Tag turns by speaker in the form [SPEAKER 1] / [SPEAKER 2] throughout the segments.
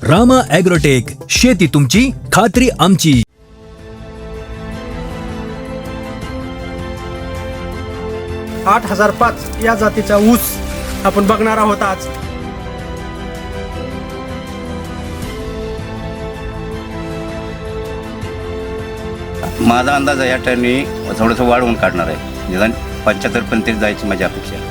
[SPEAKER 1] Rama agrotech, शेती तुमची, खात्री आमची.
[SPEAKER 2] 8005 या जातीचा ऊस आपण बघणार आहोत आज.
[SPEAKER 3] माझा अंदाज आहे या टर्नी थोडंसं वाढवून काढणार आहे. निदान 75 पर्यंत जायची माझी अपेक्षा आहे.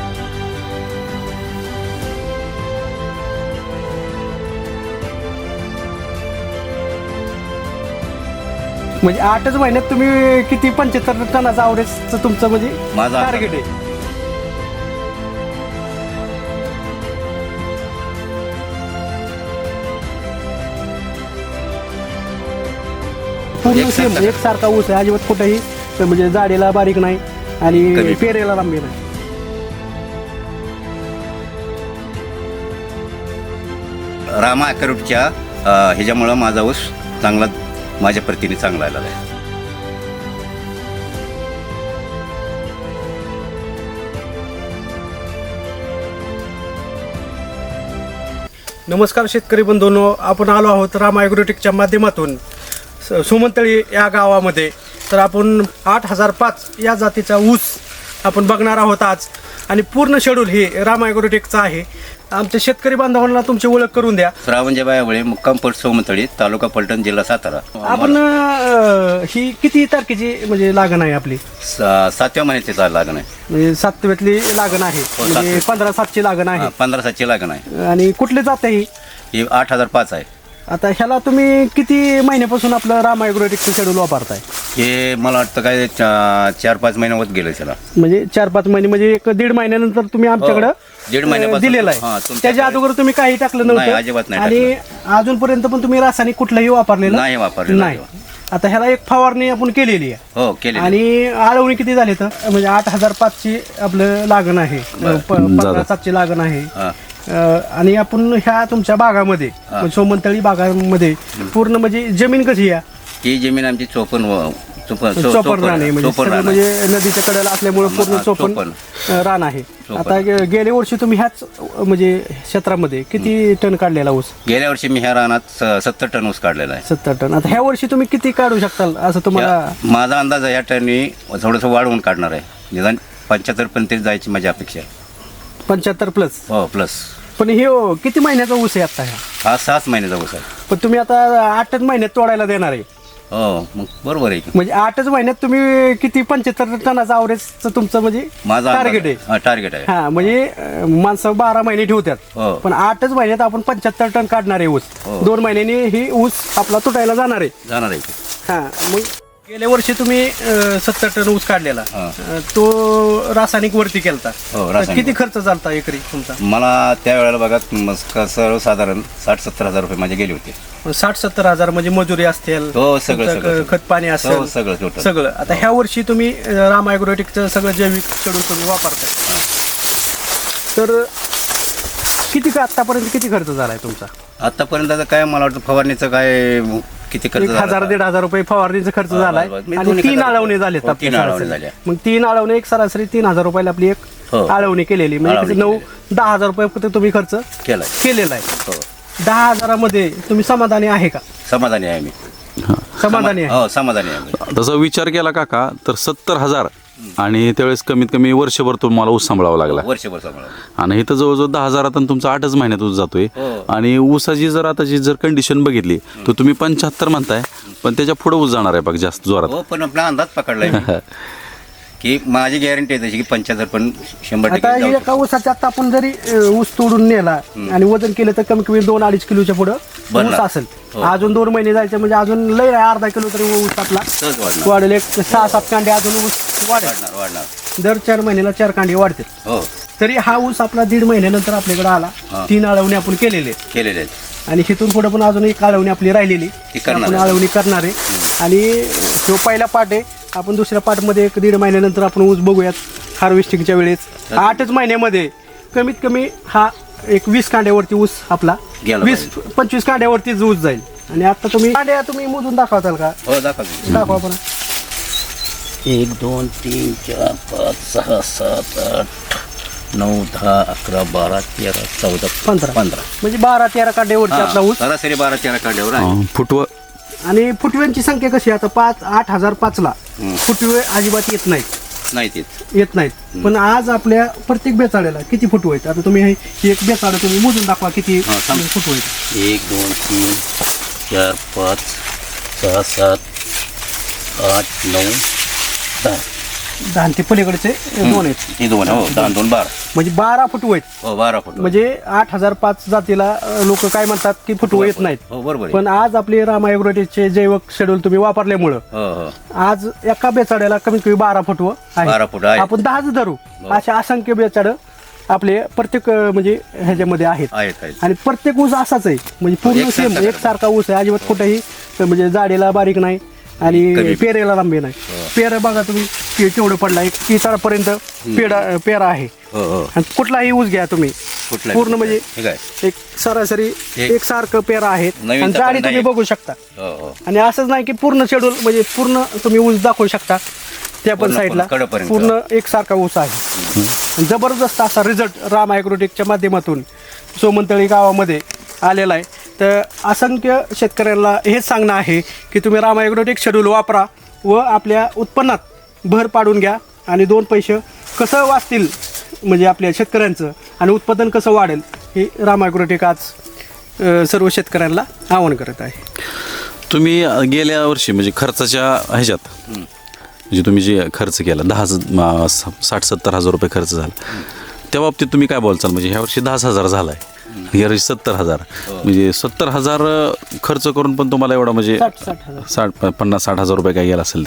[SPEAKER 2] म्हणजे 8च महिन्यात तुम्ही किती 75 टनाचा आवरेजचं तुमचं म्हणजे
[SPEAKER 3] माझा
[SPEAKER 2] टार्गेट आहे. पूर्ण सेम एकसारखा ऊस आहे, अजिबात कुठेही म्हणजे जाडीला बारीक नाही आणि
[SPEAKER 3] कमी.
[SPEAKER 2] पेरेला लांबी नाही.
[SPEAKER 3] रामा ॲग्रोटेकच्या ह्याच्यामुळं माझा ऊस चांगला, माझ्या प्रतीने चांगला आलेला आहे.
[SPEAKER 2] नमस्कार शेतकरी बंधूंनो, आपण आलो आहोत रामा ॲग्रोटेकच्या माध्यमातून सुमंतळी या गावामध्ये. तर आपण 8005 या जातीचा ऊस आपण बघणार आहोत आज आणि पूर्ण शेड्यूल हे रामा ॲग्रोटेकचं आहे. आमच्या शेतकरी बांधवांना तुमची ओळख करून द्या.
[SPEAKER 3] श्रावणच्या बायामुळे मुक्काम पोस्ट सोमतळी, तालुका पलटण, जिल्हा सातारा.
[SPEAKER 2] आपण ही किती तारखेची म्हणजे लागण आहे आपली?
[SPEAKER 3] 7व्या महिन्याची लागण आहे.
[SPEAKER 2] म्हणजे 7व्यातली लागण आहे, म्हणजे 15/7ची लागण आहे.
[SPEAKER 3] 15/7ची लागण आहे.
[SPEAKER 2] आणि कुठले जात आहे
[SPEAKER 3] ही 8005 आहे.
[SPEAKER 2] आता ह्याला तुम्ही किती महिन्यापासून आपलं रामा ॲग्रोटेकचं शेड्यूल वापरताय?
[SPEAKER 3] हे मला वाटतं काय 4-5 महिने होत गेले त्याला.
[SPEAKER 2] म्हणजे 4-5 महिने, म्हणजे 1.5 महिन्यानंतर तुम्ही आमच्याकडे
[SPEAKER 3] दीड महिन्यापासून
[SPEAKER 2] दिलेला
[SPEAKER 3] हा,
[SPEAKER 2] आहे.
[SPEAKER 3] तुमच्याकडे.
[SPEAKER 2] त्याच्या अगोदर तुम्ही काही टाकलं
[SPEAKER 3] नाही,
[SPEAKER 2] नव्हतं
[SPEAKER 3] अजिबात नाही
[SPEAKER 2] आणि अजूनपर्यंत पण तुम्ही रासायनिक कुठलंही वापरलेलं
[SPEAKER 3] नाही वापरलेलं
[SPEAKER 2] नाही. आता ह्याला एक फवारणी आपण केलेली आहे.
[SPEAKER 3] हो केले.
[SPEAKER 2] आणि आळवणी किती झाली तर म्हणजे 8005ची आपलं लागण आहे, 15/7ची लागण आहे. आणि आपण ह्या तुमच्या बागामध्ये सोमंतळी बागामध्ये पूर्ण म्हणजे जमीन कशी आहे?
[SPEAKER 3] ही जमीन आमची चोपण
[SPEAKER 2] रान आहे, म्हणजे सगळं म्हणजे नदीच्या कडेला असल्यामुळे पूर्ण चोपण रान आहे. आता गेल्या वर्षी तुम्ही ह्याच म्हणजे क्षेत्रामध्ये किती टन काढलेला ऊस?
[SPEAKER 3] गेल्या वर्षी मी ह्या रानात 70 टन ऊस काढलेला आहे.
[SPEAKER 2] 70 टन. आता ह्या वर्षी तुम्ही किती काढू शकताल असं तुम्हाला?
[SPEAKER 3] माझा अंदाज आहे या टर्नी थोडंसं वाढवून काढणार आहे. निदान 75 पर्यंत जायची माझी अपेक्षा आहे.
[SPEAKER 2] 75 प्लस?
[SPEAKER 3] हो प्लस.
[SPEAKER 2] पण हे किती महिन्याचा ऊस आहे आता?
[SPEAKER 3] हा 6 महिन्याचा ऊस आहे.
[SPEAKER 2] पण तुम्ही आता 8च महिन्यात तोडायला देणार आहे.
[SPEAKER 3] हो मग बरोबर आहे की.
[SPEAKER 2] म्हणजे 8च महिन्यात तुम्ही किती 75 टनाचा आवरेजचं तुमचं म्हणजे
[SPEAKER 3] माझा
[SPEAKER 2] टार्गेट आहे?
[SPEAKER 3] टार्गेट आहे.
[SPEAKER 2] हा, म्हणजे माणसं 12 महिने ठेवतात,
[SPEAKER 3] हो.
[SPEAKER 2] पण 8च महिन्यात आपण 75 टन काढणार आहे ऊस.
[SPEAKER 3] हो.
[SPEAKER 2] 2 महिन्यांनी ही ऊस आपला तुटायला जाणार आहे.
[SPEAKER 3] जाणार आहे की.
[SPEAKER 2] हा, मग गेल्या वर्षी तुम्ही 70 टन ऊस काढलेला,
[SPEAKER 3] हा.
[SPEAKER 2] तो रासायनिक वरती केलता.
[SPEAKER 3] हो,
[SPEAKER 2] तर
[SPEAKER 3] रासायनिक.
[SPEAKER 2] किती खर्च झालता एकरी तुमचा?
[SPEAKER 3] मला त्यावेळेला बघा सर्वसाधारण 60-70 हजार रुपये माझे गेले होते.
[SPEAKER 2] 60-70 हजार म्हणजे मजुरी असतील,
[SPEAKER 3] हो, सगळं,
[SPEAKER 2] तुमचं
[SPEAKER 3] सगळं.
[SPEAKER 2] खत पाणी
[SPEAKER 3] हो,
[SPEAKER 2] असेल,
[SPEAKER 3] सगळं total.
[SPEAKER 2] सगळं. आता ह्या वर्षी तुम्ही रामा ॲग्रोटेकचं सगळं जैविक शेड्यूल तुम्ही वापरताय. तर आतापर्यंत किती खर्च झालाय तुमचा?
[SPEAKER 3] आतापर्यंत आता काय मला वाटतं फवारणीचं काय किती खर्च
[SPEAKER 2] 1,000-1,500 रुपये फवारणीचा खर्च झालाय.
[SPEAKER 3] बरोबर. मी
[SPEAKER 2] आणि
[SPEAKER 3] दोन्ही
[SPEAKER 2] 3
[SPEAKER 3] खर्च-
[SPEAKER 2] आळवणे झाले.
[SPEAKER 3] हो, 3 आळवणे झाल्या.
[SPEAKER 2] मग 3 आळवणे एक सरासरी 3,000 रुपयाला आपली एक
[SPEAKER 3] हो.
[SPEAKER 2] आळवणी केलेली, म्हणजे
[SPEAKER 3] आळवणी
[SPEAKER 2] 9-10 हजार रुपये फक्त तुम्ही खर्च
[SPEAKER 3] केलाय.
[SPEAKER 2] केलेला आहे.
[SPEAKER 3] हो
[SPEAKER 2] 10,000 मध्ये तुम्ही समाधानी आहे का?
[SPEAKER 3] समाधानी आहे मी.
[SPEAKER 2] समाधानी आहे.
[SPEAKER 3] हो समाधानी आहे मी.
[SPEAKER 4] तसा विचार केला काका तर 70,000 आणि त्यावेळेस कमीत कमी वर्षभर तुम्हाला ऊस सांभाळावा लागला.
[SPEAKER 3] वर्षभर सांभाळा.
[SPEAKER 4] आणि इथं जवळजवळ 10,000 तुमचा 8च महिन्यात ऊस जातोय.
[SPEAKER 3] हो.
[SPEAKER 4] आणि ऊसाची जर आताची जर कंडिशन बघितली तर तुम्ही 75 म्हणताय, पण त्याच्या पुढे ऊस जाणार आहे बघ जास्त जोरात.
[SPEAKER 3] हो पण आपला अंदाज पकडलाय मी. की माझी गॅरंटी आहे तशी की 75 पण 100%
[SPEAKER 2] आता
[SPEAKER 3] जाऊ
[SPEAKER 2] एका ऊसाच्या आता आपण जरी ऊस तोडून नेला आणि वजन केलं तर कमी कमी 2-2.5 किलोच्या पुढे ऊस
[SPEAKER 3] बनला.
[SPEAKER 2] असेल.
[SPEAKER 3] हो.
[SPEAKER 2] अजून 2 महिने जायचे म्हणजे अजून लय आहे, अर्धा किलो तरी ऊस आपला
[SPEAKER 3] सहज वाढणार.
[SPEAKER 2] वाढेल. एक 6-7 कांडे अजून ऊस वाढेल.
[SPEAKER 3] वाढणार.
[SPEAKER 2] दर 4 महिन्याला 4 कांडे वाढतील.
[SPEAKER 3] हो
[SPEAKER 2] तरी हा ऊस आपला 1.5 महिन्यानंतर आपल्याकडे आला.
[SPEAKER 3] हा.
[SPEAKER 2] 3 आळवणी आपण केलेले
[SPEAKER 3] केलेले आहेत.
[SPEAKER 2] आणि तिथून पुढे पण अजून एक आळवणी आपली राहिलेली
[SPEAKER 3] ती करणार
[SPEAKER 2] आपण
[SPEAKER 3] आहे.
[SPEAKER 2] आळवणी करणार आहे. आणि तो पहिला पार्ट आहे. आपण दुसऱ्या पार्टमध्ये 1-1.5 महिन्यानंतर आपण ऊस बघूयात हार्वेस्टिंगच्या वेळेस. 8च महिन्यामध्ये कमीत कमी हा एक 20 कांड्यावरती ऊस आपला
[SPEAKER 3] गेला
[SPEAKER 2] 20-25 कांड्यावरतीच ऊस जाईल. आणि आता तुम्ही कांड्या तुम्ही मोजून दाखवताल का?
[SPEAKER 3] हो दाखवा.
[SPEAKER 2] दाखवा आपण.
[SPEAKER 3] 1 2 3 4 5 6 7 8 9, 10, 11, 12, 13, 14,
[SPEAKER 2] 15.
[SPEAKER 3] 15.
[SPEAKER 2] म्हणजे 12-13 कांड्यावरती आपला ऊस.
[SPEAKER 3] सरासरी 12-13 कांड्यावर आहे.
[SPEAKER 4] फुटवं
[SPEAKER 2] आणि फुटव्यांची संख्या कशी आहे? आता 8,005ला फुटवे अजिबात
[SPEAKER 3] नाही तेच.
[SPEAKER 2] येत नाहीत. पण आज आपल्या प्रत्येक बेचाळ्याला किती फुटवे आहेत? आता तुम्ही हे एक बेचाळं तुम्ही मोजून दाखवा किती
[SPEAKER 3] सांग.
[SPEAKER 2] फुटवे आहेत.
[SPEAKER 3] 1, 2, 3, 4, 5, 6, 7, 8, 9, 10.
[SPEAKER 2] 10 ते पलीकडचे 2 आहेत.
[SPEAKER 3] हे 2 हो 10, 2, 12.
[SPEAKER 2] म्हणजे 12 फुटवे आहेत.
[SPEAKER 3] हो 12 फूट.
[SPEAKER 2] म्हणजे 8,005 जातीला लोक काय म्हणतात की फुटवे येत नाहीत.
[SPEAKER 3] हो बरोबर आहे.
[SPEAKER 2] पण आज आपले रामा ॲग्रोटेकचे जैविक शेड्यूल तुम्ही वापरल्यामुळं
[SPEAKER 3] हो हो
[SPEAKER 2] आज एका बेचाड्याला कमीत कमी 12 फुटवं
[SPEAKER 3] 12 फूट आहे.
[SPEAKER 2] आपण 10च धरू. अशा असंख्य बेचाड आपले प्रत्येक म्हणजे ह्याच्यामध्ये आहेत.
[SPEAKER 3] आहेत.
[SPEAKER 2] आणि प्रत्येक ऊस असाच आहे. म्हणजे पूर्ण
[SPEAKER 3] एकसारखा
[SPEAKER 2] सेम एकसारखा ऊस आहे. अजिबात कुठेही म्हणजे जाडीला बारीक नाही आणि
[SPEAKER 3] कमी.
[SPEAKER 2] पेरेला लांबी नाही. पेर बघा तुम्ही केवढं पडला एक 30पर्यंत पेरा आहे.
[SPEAKER 3] हो हो
[SPEAKER 2] आणि कुठलाही ऊस घ्या तुम्ही
[SPEAKER 3] कुठला
[SPEAKER 2] पूर्ण म्हणजे
[SPEAKER 3] ठीक आहे.
[SPEAKER 2] एक सरासरी एकसारखं पेरा आहेत.
[SPEAKER 3] नवीन
[SPEAKER 2] आणि
[SPEAKER 3] तर
[SPEAKER 2] जाडी
[SPEAKER 3] पण
[SPEAKER 2] तुम्ही
[SPEAKER 3] नाही.
[SPEAKER 2] बघू शकता.
[SPEAKER 3] हो हो
[SPEAKER 2] आणि असंच नाही की पूर्ण शेड्यूल म्हणजे पूर्ण तुम्ही ऊस दाखवू शकता त्या पण
[SPEAKER 3] पूर्ण
[SPEAKER 2] साईडला
[SPEAKER 3] कडेपर्यंत.
[SPEAKER 2] पूर्ण एकसारखा ऊस आहे. आणि जबरदस्त असा रिझल्ट राम ॲग्रोटेकच्या माध्यमातून सोमनतळी गावामध्ये आलेला आहे. तर असंख्य शेतकऱ्यांना हेच सांगणं आहे की तुम्ही राम ॲग्रोटेक शेड्यूल वापरा व आपल्या उत्पन्नात भर पाडून घ्या आणि 2 पैसे कसं वाचतील म्हणजे आपल्या शेतकऱ्यांचं आणि उत्पादन कसं वाढेल हे राम ॲग्रोटेक आज सर्व शेतकऱ्यांना आवाहन करत आहे.
[SPEAKER 4] तुम्ही गेल्या वर्षी म्हणजे खर्चाच्या ह्याच्यात म्हणजे तुम्ही जे खर्च केला 60-70 हजार रुपये खर्च झाला त्या बाबतीत तुम्ही काय बोलचाल? म्हणजे ह्या वर्षी 10,000 झाला आहे, या वर्षी 70,000 म्हणजे 70,000 खर्च करून पण तुम्हाला एवढा म्हणजे 50-60 हजार रुपये काय गेला असेल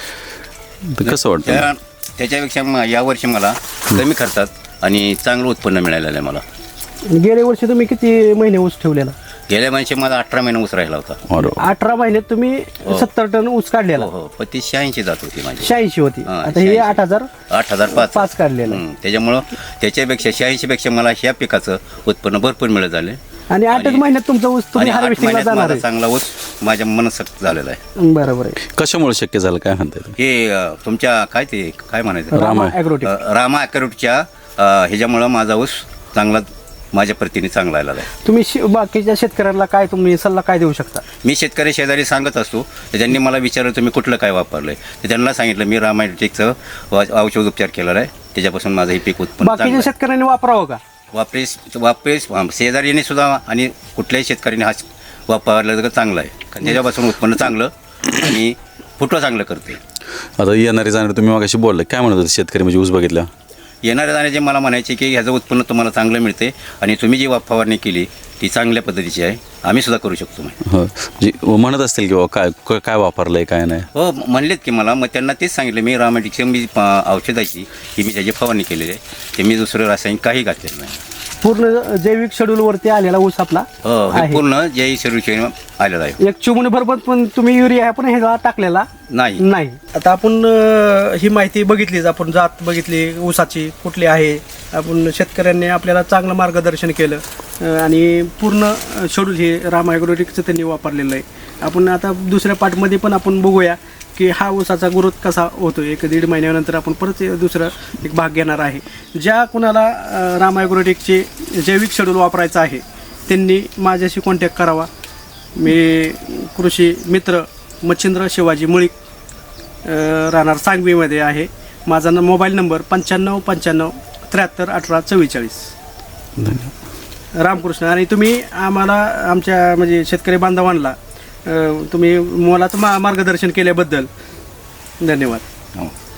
[SPEAKER 4] ते कसं वाटतं?
[SPEAKER 3] त्याच्यापेक्षा यावर्षी मला कमी खर्चात आणि चांगलं उत्पन्न मिळालेलं आहे मला.
[SPEAKER 2] गेल्या वर्षी तुम्ही किती महिने ऊस ठेवलेला?
[SPEAKER 3] गेल्या महिन्यात मला 18 महिने ऊस राहिला होता.
[SPEAKER 2] 18 महिन्यात तुम्ही 70 टन ऊस काढलेला.
[SPEAKER 3] हो पण ती 86 जात होती माझी.
[SPEAKER 2] 86 होती.
[SPEAKER 3] हा,
[SPEAKER 2] आता हे
[SPEAKER 3] 86. 8,005
[SPEAKER 2] 5 काढलेलं.
[SPEAKER 3] त्याच्यामुळं त्याच्यापेक्षा 86 पेक्षा मला ह्या पिकाचं उत्पन्न भरपूर मिळत झाले.
[SPEAKER 2] आणि 8च महिन्यात तुमचा ऊस तुम्ही
[SPEAKER 3] आणि 8
[SPEAKER 2] हार्वेस्टिंगला
[SPEAKER 3] महिन्यात
[SPEAKER 2] जाणार
[SPEAKER 3] माझा
[SPEAKER 2] आहे.
[SPEAKER 3] चांगला ऊस माझ्या मनसक्त झालेला आहे.
[SPEAKER 2] बरोबर आहे.
[SPEAKER 4] कशामुळे शक्य झालं काय म्हणताय तुम्ही?
[SPEAKER 3] हे तुमच्या काय म्हणायचं
[SPEAKER 2] रामा ॲग्रोटेक.
[SPEAKER 3] रामा ॲग्रोटेकच्या ह्याच्यामुळं माझा ऊस चांगला माझ्या प्रतीने चांगला आलेला आहे.
[SPEAKER 2] तुम्ही बाकीच्या शेतकऱ्यांना काय तुम्ही सल्ला काय देऊ शकता?
[SPEAKER 3] मी शेतकरी शेजारी सांगत असतो तर त्यांनी मला विचारलं तुम्ही कुठलं काय वापरलंय तर त्यांना सांगितलं मी रामा ॲग्रोटेकचं औषध उपचार केलेला आहे. त्याच्यापासून माझं हे पीक उत्पन्न
[SPEAKER 2] बाकीच्या
[SPEAKER 3] चांगलं आहे.
[SPEAKER 2] शेतकऱ्यांनी वापरावं का?
[SPEAKER 3] वापरेस शेजारीने सुद्धा आणि कुठल्याही शेतकऱ्याने हा वापरला तर चांगलं आहे. कारण त्याच्यापासून उत्पन्न चांगलं आणि फुटवा चांगलं करते.
[SPEAKER 4] आता येणारे जाणारे तुम्ही मगाशी बोलले काय म्हणत होते शेतकरी म्हणजे ऊस बघितला
[SPEAKER 3] येणाऱ्या जाण्याचे मला म्हणायचे की ह्याचं उत्पन्न तुम्हाला चांगलं मिळते आणि तुम्ही जी फवारणी केली ती चांगल्या पद्धतीची आहे, आम्ही सुद्धा करू शकतो.
[SPEAKER 4] म्हणजे म्हणत असतील की बाबा काय वापरलंय काय नाही?
[SPEAKER 3] हो म्हणलेत की मला, मग त्यांना तेच सांगितलं मी रामायटिकची मी औषधाची की मी त्याची फवारणी केलेली आहे, ते मी दुसरं रासायनिक काही घातलेलं नाही.
[SPEAKER 2] पूर्ण जैविक शेड्यूल वरती आलेला ऊस आपला
[SPEAKER 3] हो हे
[SPEAKER 2] आहे.
[SPEAKER 3] पूर्ण जय शरीर आलेलं आहे.
[SPEAKER 2] एक चिमूटभर पण तुम्ही युरिया पण ह्याला टाकलेला नाही. आता आपण ही माहिती बघितलीच, आपण जात बघितली ऊसाची कुठली आहे. आपण शेतकऱ्यांनी आपल्याला चांगलं मार्गदर्शन केलं आणि पूर्ण शेड्यूल हे रामा ॲग्रोटेकचं त्यांनी वापरलेलं आहे. आपण आता दुसऱ्या पार्टमध्ये पण आपण बघूया की हा ऊसाचा ग्रोथ कसा होतो. 1-1.5 महिन्यानंतर आपण परत दुसरं एक भाग घेणार आहे. ज्या कुणाला रामा ॲग्रोटेकचे जैविक शेड्यूल वापरायचं आहे त्यांनी माझ्याशी कॉन्टॅक्ट करावा. मी कृषी मित्र मच्छिंद्र शिवाजी मुळीक राहणार सांगवीमध्ये आहे. माझा मोबाईल नंबर 95 73 18 44. रामकृष्ण. आणि तुम्ही आम्हाला आमच्या म्हणजे शेतकरी बांधवांना तुम्ही मोलाचं मार्गदर्शन केल्याबद्दल धन्यवाद.
[SPEAKER 3] हो.